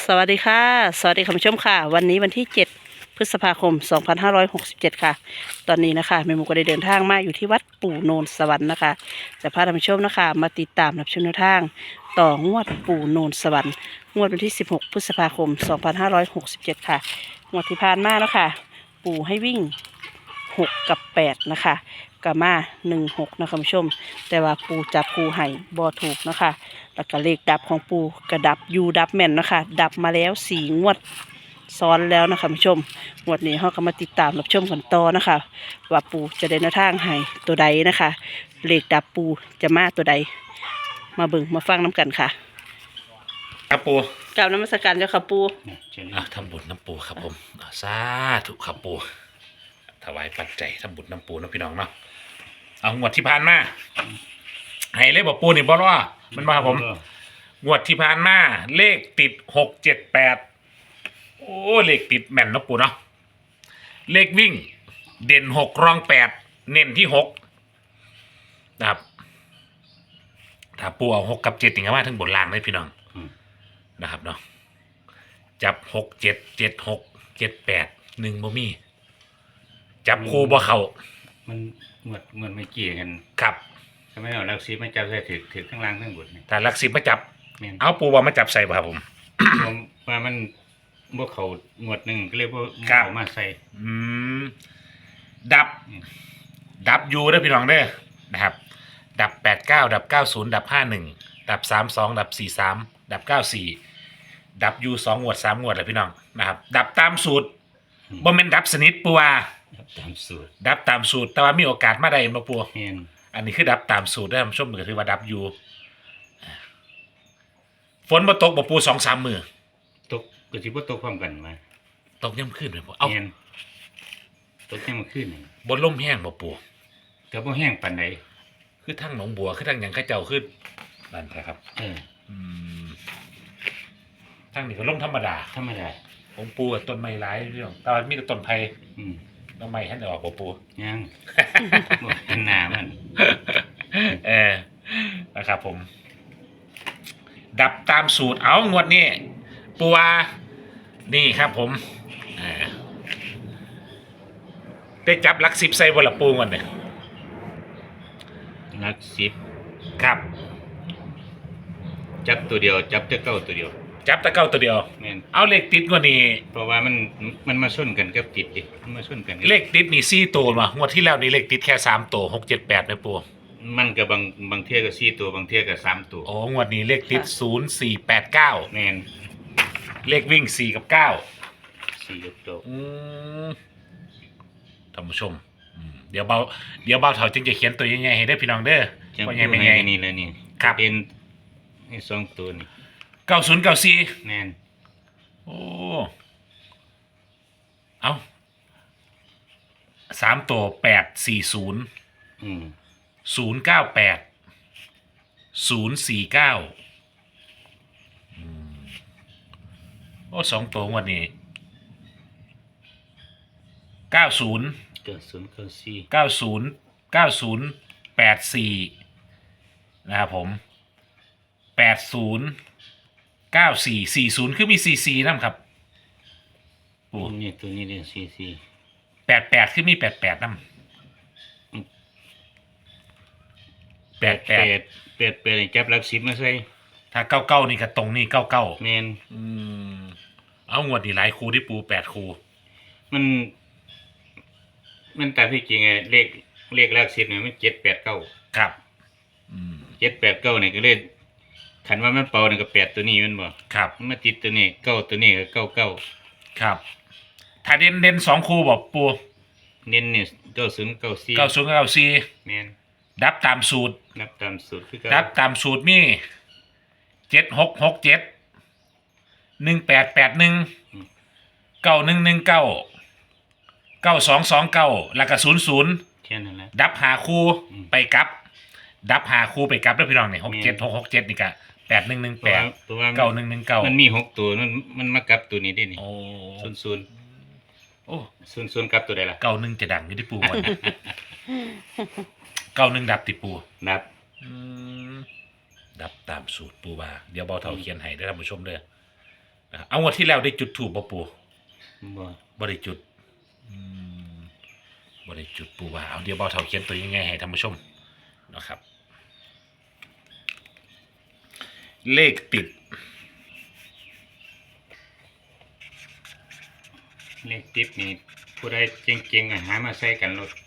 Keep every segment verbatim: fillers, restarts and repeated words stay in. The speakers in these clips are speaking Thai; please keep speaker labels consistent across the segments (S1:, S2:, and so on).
S1: สวัสดีค่ะสวัสดีคุณผู้ชมค่ะวันนี้วันที่เจ็ดพฤษภาคมสองพันห้าร้อยหกสิบเจ็ดค่ะตอนนี้นะคะแม่หมูก็ได้เดินทางมาอยู่ที่วัดปู่โนนสวรรค์นะคะจะพาท่านผู้ชมนะคะมาติดตามรับชมแนวทางต่องวดปู่โนนสวรรค์งวดวันที่สิบหกพฤษภาคมสองพันห้าร้อยหกสิบเจ็ดค่ะงวดที่ผ่านมานะคะปู่ให้วิ่งหกกับแปดนะคะกามาหนึ่งหกนะคะคุณผู้ชมแต่ว่าปูจับปูไห่บอถูกนะคะแล้วก็เลขดับของปูกระดับยูดับแม่นนะคะดับมาแล้วสี่งวดซ้อนแล้วนะคะคุณผู้ชมงวดนี้เราก็มาติดตามรับชมกันต่อนะคะว่าปูจะได้แนวทางให้ตัวใดนะคะเลขดับปูจะมาตัวใดมาเบิ่งมาฟังน้ำกันค่ะ
S2: ครับปู
S1: กราบนมัสการเจ้าค่ะปู
S2: อ่ะทำบุญน้ำปูครับผมอ่ะสาธุครับปูถวายปัจจัยทำบุญน้ำปูนะพี่น้องเนาะเอางวดที่ผ่านมาให้เลขบอกปูนี่บอสว่ามันมาครับผมงวดที่ผ่านมาเลขติดหกเจ็ดแปดโอ้เลขติดแม่นนะปูเนาะเลขวิ่งเด่นหกรองแปดเน้นที่หกนะครับถ้าปูเอาหกกับเจ็ดถึงกับว่าทั้งบนล่างเลยพี่น้องนะครับเนาะจับหกเจ็ดเจ็ดหกเจ็ดแปดหนึ่งบ่มีจับคู่บ่เข้า
S3: มันเหมือนเหมือนไม่เกี่ยกัน
S2: ครับ
S3: ทำไมเอาลักซีมาจับใส่ถือถือข้างล่างข้างบนนี่
S2: แต่หลักสิบมาจับ
S3: แม่น
S2: เอาปูว่ามาจับใส่บ่ครับผม
S3: ผมว่ามันบ่เขาหมวดหนึ่งก็เลยบ่
S2: ครับ
S3: เอามาใส่
S2: อืมดับ ดับยูเด้อพี่น้องเด้อนะครับ ดับแปดเก้าดับเก้าศูนย์ดับห้าหนึ่งดับสามสองดับสี่สามดับเก้าสี่ดับยูสองงวดสามงวดเลยพี่น้องนะครับ ดับตามสูตรบ่แม่นดับสนิทปูว่า
S3: ตามสูตร
S2: ดับตามสูตรแต่ว่ามีโอกาสมาได้มาปู
S3: แม่น
S2: อันนี้คือดับตามสูตรได้ท่านผู้ชมก็ถือว่าดับอยู่ฝนมาตกบ่ปูสองสามมือ
S3: ตกก็สิบ่ตกพร้อมกันมา
S2: ตกย่ำขึ้นเลยปูเอา
S3: แม่นตกแค่มาขึ้นนี่
S2: บนล่มแห้งบ่ปู
S3: ก็บ่แห้งปานใด
S2: คือทั้งหนองบัวคือทั้งหยังข้าเจ้าขึ้นนั่นแหละครับ
S3: เออ
S2: อืมทั้งนี้ก็ล่มธรรมดา
S3: ธรรมดา
S2: ของปูกับต้นไม้หลายเรื่องแต่ว่ามีแต่ต้นไผ่
S3: อืม
S2: ต้นไม้ท่านออกบ่ปู
S3: ยัง บ่เห็นหน้ามัน
S2: เออนะครับผม ดับตามสูตรเอางวดนี้ปูว่านี่ครับผมอ่าได้จับหลักสิบใส่บนละปูกันเนี่ย
S3: ลักสิบ
S2: ครับ
S3: จับตัวเดียว จับแต่เก้าตัวเดียว
S2: จับตะเก้าตัวเดียว
S3: แม่น
S2: เอาเลขติดกว่านี้
S3: เพราะว่ามันมันมาชนกันกับติดดิมันมาชนกันกับ
S2: เลขติดนี่สี่ตัวมางวดที่แล้วนี่เลขติดแค่สามตัวหกเจ็ดแปดนะปู
S3: มันก็บางบางเที่ยก็สี่ตัวบางเที่ยก็สามตัว
S2: โอ้งวดนี้เลขติดศูนย์สี่แปดเก้า
S3: แม่น
S2: เลขวิ่งสี่กับเก้า
S3: สี่ยกตัว
S2: อืมท่านผู้ชมอืมเดี๋ยวเบาเดี๋ยวเบาเถาจึงจะเขียนตัวยังไงให้ได้พี่น้องเด้อ
S3: จะ
S2: ว่า
S3: พู
S2: ไง
S3: ด
S2: เป็น
S3: ให้
S2: ไง
S3: นี่แล้วนี่
S2: ครับ
S3: เป็นไอ้สองตัวนี่
S2: เก้าศูนย์เก้าสี่
S3: แม่น
S2: โอ้เอาสามตัวแปดสี่ศูนย์
S3: อืม
S2: ศูนย์เก้าแปดศูนย์สี่เก้าโอ้สองตัวงวันนี้เก้าศูนย์
S3: เก้าศูนย์เก้าสี่
S2: เก้าศูนย์เก้าศูนย์แปดสี่นะครับผมแปดศูนย์เก้าสี่สี่ศูนย์คือมีสี่สี่นั่นครับโอ้
S3: นี่ตัวนี้เรียนสี่สี่
S2: แปดแปดคือมีแปดแปดนั่นแปดแป
S3: แป
S2: ด
S3: ดแปดแปดนี่จับหลักสิบมาใส่
S2: ถ้าเก้าเก้านี่ก็ตรงนี่เก้าเก้า
S3: แม่น
S2: อืมเอางวดนี่หลายครูที่ปูแปดครู
S3: มัน มันตามที่จริงไงเลขเลขหลักสิบเนี่ยมันเจ็ดแปดเก้า
S2: ครับ อืม
S3: เจ็ดแปดเก้านี่ก็เลขขันว่ามันเป่านี่ก็แปดตัวนี้แมันบ่
S2: ครับ
S3: มันมาติดตัวนี้เก้าตัวนี้ก็เก้าเก้า
S2: ครับ ถ้าเด่นเด่นสองครูบอกปู
S3: เน้นนี่เก้าศูนย์เก้าสี่
S2: เก้าศูนย์เก้าสี่
S3: แม่น
S2: ดับตามสูตร
S3: นับตามสูตรคือ
S2: ดับตามสูตรมีเจ็ดหกหกเจ็ดหนึ่งแปดแปดหนึ่งเก้าหนึ่งหนึ่งเก้าเก้าสองสองเก้าแล้วก็ศูนย์ศูนย์
S3: แค่นั้นแหละ
S2: ดับหาคู่
S3: อืม
S2: ไปกลับ ดับหาคู่ไปกลับแล้วพี่น้องเนี่ยหก
S3: แม่
S2: เจ็ด
S3: น
S2: หกหกเจ็ดนี่ก็แปดหนึ่งหนึ่ง
S3: เพ
S2: แป
S3: ราะ
S2: ด
S3: ว่าเพราะว่า
S2: เก้าหนึ่งหนึ่งเก้า
S3: มันมีหกตัวมันมันมากลับตัวนี้ได้นี่
S2: โอ้
S3: ศูนย์ศูนย์
S2: โอ้
S3: ศูนย์ศูนย์กลับตัวใดล่ะ
S2: เก้าหนึ่งจะดังอยู่ที่ปูวันนี้ เก้าหนึ่งดับติปู
S3: นับ
S2: อืมดับตามสูตรปูว่าเดี๋ยวเบาเท่าเขียนให้ได้อท่านผู้ชมเด้ออ่ะเอางวดที่แล้วได้จุดถูกบ่ปู
S3: บ่
S2: บ่ได้จุดอืมบ่ได้จุดปูว่าเอาเดี๋ยวเบาเท่าเขียนตัวยังไงให้ท่านผู้ชมนะครับ เลขติด
S3: เลขติดนี่ผู้ใดเก่งๆอะหามาใส่กันรถ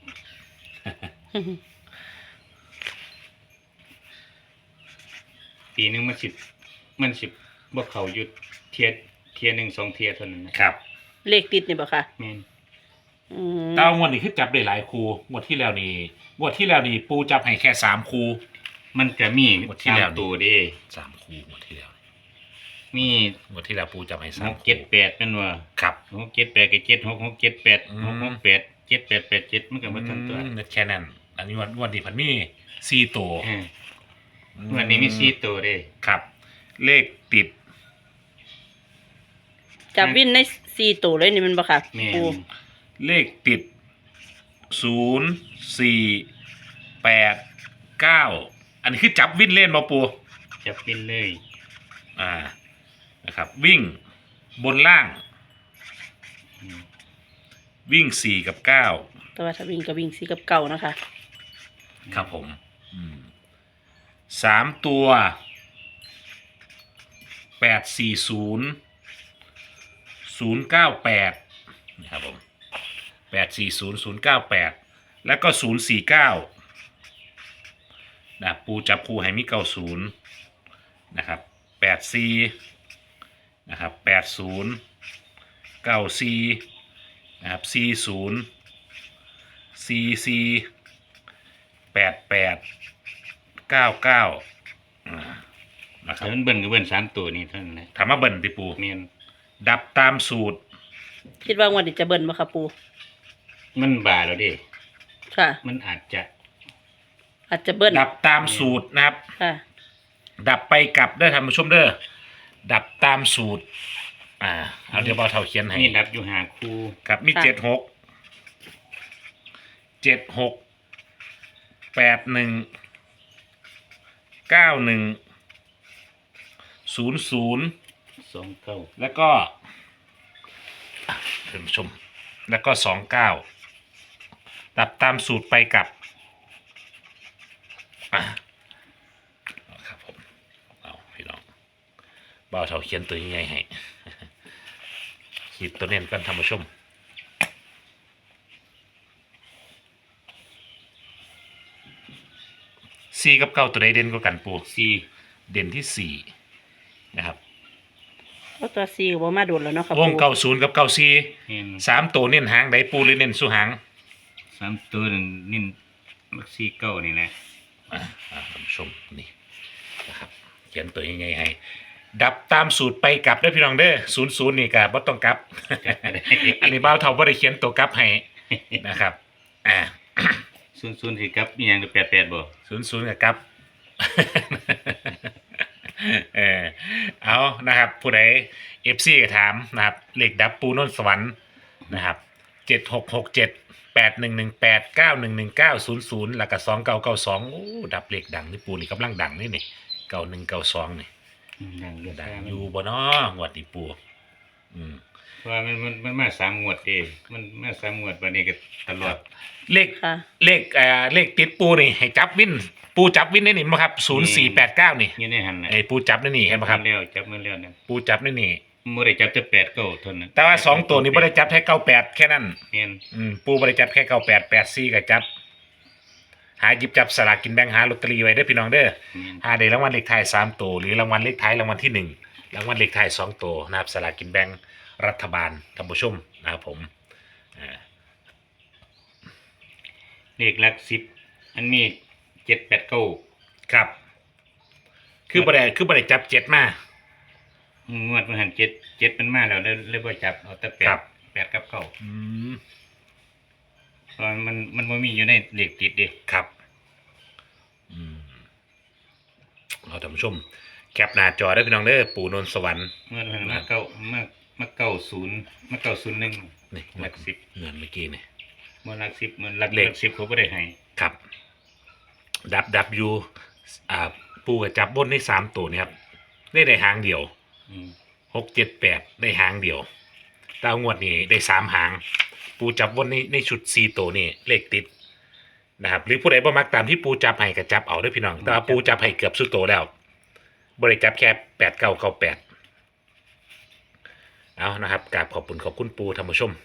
S3: ปีหนึงมันสิบมันสิบบ่เข้าอยู่เทียเทียหนึ่งสองเทียเท่านั้นนะครับ
S1: เลขติดนี่บ่ค่ะ
S3: แม่น
S1: อืม
S2: แต่ว่างวดนี้คือจับได้หลายคูงวดที่แล้วนี่งวดที่แล้วนี่ปูจับให้แค่สามคู
S3: มันก็มี
S2: งวดที่แล้วนี่
S3: สามตัวเด้
S2: สามคูงวดที่แล้ว
S3: มี
S2: งวดที่แล้วปูจับให้สา
S3: ห
S2: ม
S3: ก
S2: คู
S3: เจ็ดแปดแม่นว่า
S2: ครับ
S3: หกเจ็ดแปดกับเจ็ดหกหกเจ็ดแปด
S2: อืม
S3: หกหกแปดเจ็ดแปดแปดเจ็ดมันก็บ่ทันตัว
S2: อืมแค่นั้นอันนี้งวดงวดนี้พันมีสี่ตัว
S3: เออวันนี้มีสี่ตัวเด้
S2: ครับ เลขติด
S1: จับวินในสี่ตัวเลยนี่มันบ่ค่ะ
S3: แม่น
S1: ปู
S2: เลขติดศูนย์สี่แปดเก้าอันนี้คือจับวิ่นเล่นมาปู
S3: จับเป็นเลย
S2: อ่านะครับ วิ่งบนล่าง
S3: อืม
S2: วิ่งสี่กับเก้า
S1: แต่ว่าถ้าวิ่งก็วิ่งสี่กับเก่านะคะ
S2: ครับผมอืมสามตัวแปดสี่ศูนย์ศูนย์เก้าแปดนะครับผมแปดสี่ศูนย์ศูนย์เก้าแปดแล้วก็ศูนย์สี่เก้านะปูจับคูให้มีเก้าศูนย์นะครับแปดสี่นะครับแปดศูนย์เก้าสี่นะครับสี่ศูนย์สี่สี่แปดแปดเก้าเก้านะครับ
S3: แต่มันเบิ่นก็เบิ่นสามตัวนี่เท่านั้นแหละ
S2: ถามว่าเบิ่นติปู
S3: แม่น
S2: ดับตามสูตร
S1: คิดว่างวดนี้จะเบิ่นบ่ค่ะปู
S3: มันบาแล้วเด้
S1: ค่ะ
S3: มันอาจจะ
S1: อาจจะเบิ่น
S2: ดับตามสูตรนะครับ
S1: ค่ะ
S2: ดับไปกลับได้อท่านผู้ชมเด้อดับตามสูตร อ่าเอาเดี๋ยวเบาเท่าเขียนให้
S3: มีดับอยู่หาคู่
S2: ครับมี
S1: ค่ะ
S2: เจ็ดหกเจ็ดหกแปดหนึ่งเก้าหนึ่งศูนย์ศูนย์
S3: สองเก้า
S2: แล้วก็อ่ะท่านผู้ชม แล้วก็สองเก้าดับตามสูตรไปกลับอ่ะเอาครับผมเอาพี่น้องเบาเท่าเขียนตัวยังไงให้ ขีดตัวเน้นกันท่านผู้ชมสี่กับเก้าตัวใดเด่นกว่ากันปู
S3: สี่
S2: เด่นที่สี่นะครับ
S1: เพราะตัวสี่ก็บ่มาโดนแล้วเนาะค่ะ
S2: ว
S1: ปู
S2: งเก้าศูนย์กับเก้าสี่
S3: แม่น
S2: สามตัวเน้นหางใดปูหรือเน้นสู้หาง
S3: สามตัวนั่นนี่มักสี่เก้านี่แหละ
S2: อ่าอ่าท่านผู้ชมนี่นะครับเขียนตัวยังไงให้ ดับตามสูตรไปกลับเด้อพี่น้องเด้อศูนย์ศูนย์นี่กะบ่ต้องกลับ อันนี้บ้าวเท่าบ่ได้เขียนตัวกลับให้นะครับอ่า
S3: ศูนย์ศูนย์สิครับมีหยังแปดแปดบ่
S2: ศูนย์ศูนย์กับกลับ เออเอานะครับผู้ใดเอฟซีก็ถามนะครับเลขดับปูนนท์สวรรค์นะครับเจ็ดหกหกเจ็ดแปดหนึ่งหนึ่งแปดเก้าหนึ่งหนึ่งเก้าศูนย์ศูนย์แล้วก็สองเก้าเก้าสองโอ้ดับเลขดังนี่ปูนี่กำลังดังนี่นี่เก้าหนึ่งเก้าสองนี่
S3: นั่งอยู่
S2: ดั
S3: ได้
S2: งอยู่บ่เนาะงวดนี้ปูอืม
S3: เพราะว่ามันมันมันมาสามงวดเด้มันมาสามงวดวันนี้ก็ตลอด
S2: เลข
S1: ค่ะ
S2: เลขเอ่อเลขติดปูนี่ให้จับวินปูจับวินได้นี่มั้งครับศูนย์สี่แปดเก้านี่
S3: อยู่ในหันน่ะ
S2: ไอ้ปูจับนี่นี่เห็นไหมครับ
S3: แล้วจับมันแล้วนะ
S2: ปูจับนี่นี่
S3: บ่ได้จับแต่แปดเก้าเท่านั้น
S2: แต่ว่าสองตัวนี้ไม่ได้จับแค่เก้าแปดแค่นั้น
S3: แม่น
S2: อืมปูไม่ได้จับแค่เก้าแปดแปดสี่ก็จับ หาหยิบจับสลากกินแบ่งหาลอตเตอรี่ไว้เด้อพี่น้องเด้อ
S3: แม่น
S2: หาได้รางวัลเลขท้ายสามตัวหรือรางวัลเลขท้ายรางวัลที่หนึ่งรางวัลเลขท้ายสองตัวนะครับสลากกินแบ่งรัฐบาลท่านผู้ชมนะครับผมอ่า
S3: เลขหลักสิบอันมีเจ็ดแปดเก้า
S2: ครับ คือบ่ได้คือบ่ได้จับเจ็ดมา
S3: งวดมันหันเจ็ดเจ็ดมันมาแล้วเลยเลยบ่จับเอาแต่แป
S2: ครั
S3: ด
S2: บ
S3: แปดกับเก้า
S2: อืม
S3: เพราะมันมันบ่มีอยู่ในเลขติดเด้
S2: ครับอืมเอาท่านผู้ชม แคปหน้าจอได้อพี่น้องเด้อปู่นนท์สวรรค์
S3: งวดมันมาเก้ามามาเก้าศูนย์มาเก้าศูนย์หนึ่ง
S2: นี่
S3: หลักสิบ
S2: เงินเมื่อกี้นี่
S3: มันหลักสิบมันหลัก
S2: เลข
S3: หลักสิบเขาบ่ได้ให้
S2: ครับ ดับดับอยู่อ่าปูกับจับบนได้สามตัวนี่ครับได้ได้หางเดียว
S3: อืม
S2: หหกเจ็ดแปดได้หางเดียวแตเอางวดนี้ได้สามหาง ปูจับวนในในชุดสี่ตัวนี่เลขติดนะครับหรือผู้ใดบ่มักตามที่ปูจับให้ก็จับเอาเด้อพี่น้องแต่ว่าปูจับให้เกือบสุดโตวแล้วบ่ได้จับแค่แปดเก้าเก้าแปดเอานะครับกราบขอบคุณขอบคุณปูท่านผู้ชม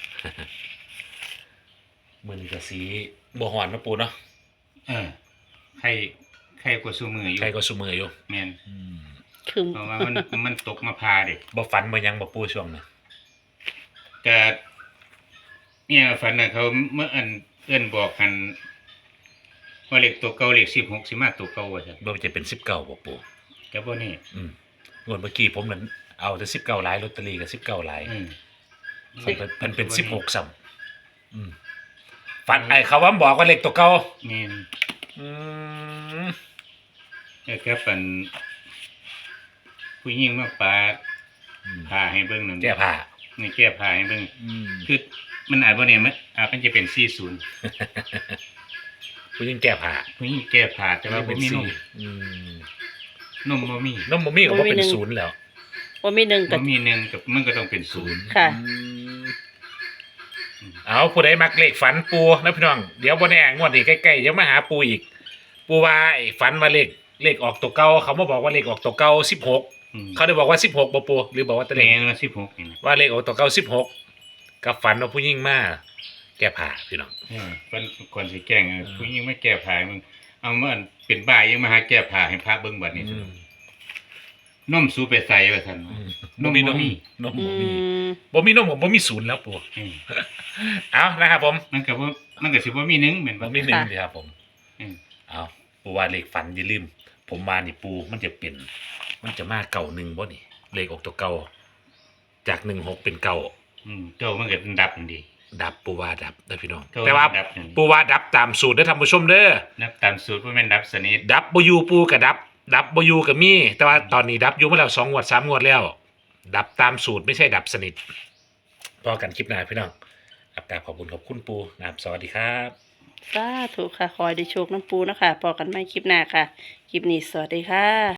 S2: มื้อนี้ก็สีบ่ฮ้อนเนาะปูเนาะ
S3: เออใครใครกว่าซูมืออยู่
S2: ใครก็ซุมืออยู่
S3: แม่น
S2: อืม
S1: คือ
S3: เพราะว่ามันมันตกมาพาเด็ก
S2: บ่ฝันบ่หยังบ่ปูช่วงนั้น
S3: แต่เนี่ยฝันน่ะเขาเมื่ออันเอื้อนบอกกันว่าเลขตัวเก่าเลขสิบหกสิมาตัวเก่าว่าซั่น
S2: บ่จะเป็นสิบเก้าบ่ปู
S3: แต่บ่นี่
S2: อืมงวดเมื่อกี้ผมนั้นเอาแต่สิบเก้าหลายลอตเตอรี่ก็สิบเก้าหลาย
S3: อืม
S2: มันเป็นมันเป็นสิบหกซ้ำอืมฝันไอ้เขาว่าบอกว่าเลขตัวเก่า
S3: แม่น
S2: อืม
S3: แล้วก็เป็นผู้หญิงมาปาด
S2: อืม
S3: ผ้าให้เบิ่งนั่น
S2: แก้ผ้า
S3: นี่แก้ผ้าให้เบิ่ง
S2: อืม
S3: คือมันอาจบ่เนี่ยมันอาจมันจะเป็นสี่สิบ
S2: ผู้หญิงแก้ผ้า
S3: ผู้หญิงแก้ผ้าแต่ว่าบ่มีนม
S2: อืม
S3: นมบ่มี
S2: นมบ่มีก็บ่เป็นศูนย์แล้ว
S1: ว่ามีหนึ่ง
S3: บ่
S1: กับ
S3: มีหนึ่งกับมันก็ต้องเป็นศูนย์
S1: ค่ะ
S2: อืมเอาผู้ใดมักเลขฝันปูนะพี่น้องเดี๋ยวบ่แน่งวดนี้ใกล้ๆเดี๋ยวมาหาปูอีก ปูว่าไอ้ฝันว่าเลขเลขออกตัวเก่าเขามาบอกว่าเลขออกตัวเก่าสิบหก
S3: อืม
S2: เขาได้บอกว่าสิบหกบ่ปูหรือบอกว่าตัวเล
S3: แม่
S2: ข
S3: นว่าสิบหกนี่นะ
S2: ว่าเลขออกตัวเก่าสิบหกกับฝันว่าผู้หญิงมาแก้ผ้าพี่น้อง
S3: เออเพิ่นก่อนสิแกล้งเออผู้หญิงมาแก้ผ้าให้มึงเอามาอันเป็นบ้ายังมาหาแก้ผ้าให้พระเบิ่งบัดนี้
S2: อืม
S3: นมสูไปใส่ว่าซั่น
S2: อืม
S3: นม
S2: บ่มีน
S3: บ่
S2: ม
S3: มี
S2: นม
S1: อื
S2: บ่มี
S1: ม
S2: บ่มีนมกับบ่มีศูนย์แล้วปู
S3: เออ
S2: เอานะครับผม
S3: มันก็บ่มันก็สิบ่มีหนึ่งแม่น
S2: บ่
S3: บ่
S2: มีหนึ่งดีครับผม
S3: เออ
S2: เอาปูว่าเลขฝันอย่าลืม ผมมานี่ปูมันจะเป็น มันจะมาเก่าหนึ่งบ่นี่ เลขออกตัวเก่าจากหนึ่งหกเป็นเก่า
S3: อืมเจ้ามันก็ดับนั่นดี
S2: ดับปูว่าดับนะพี่น้อง
S3: เก่า
S2: แต่ว่า
S3: ดับนั่น
S2: ปูว่าดับตามสูตรได้อท่านผู้ชมเด้อ
S3: นับตามสูตรบ่แม่นดับสนิท
S2: ดับบ่อยู่ปูกับดับ ดับบ่อยู่กับมี แต่ว่าตอนนี้ดับอยู่มาแล้วสองงวดสามงวดแล้ว ดับตามสูตรไม่ใช่ดับสนิทพอกันคลิปหน้าพี่น้องครับกราบขอบคุณขอบคุณปูนะครับสวัสดีครับ
S1: สาธุค่ะ คอยได้โชคน้ำปูนะคะพอกันไม่คลิปหน้าค่ะ คลิปนี้สวัสดีค่ะ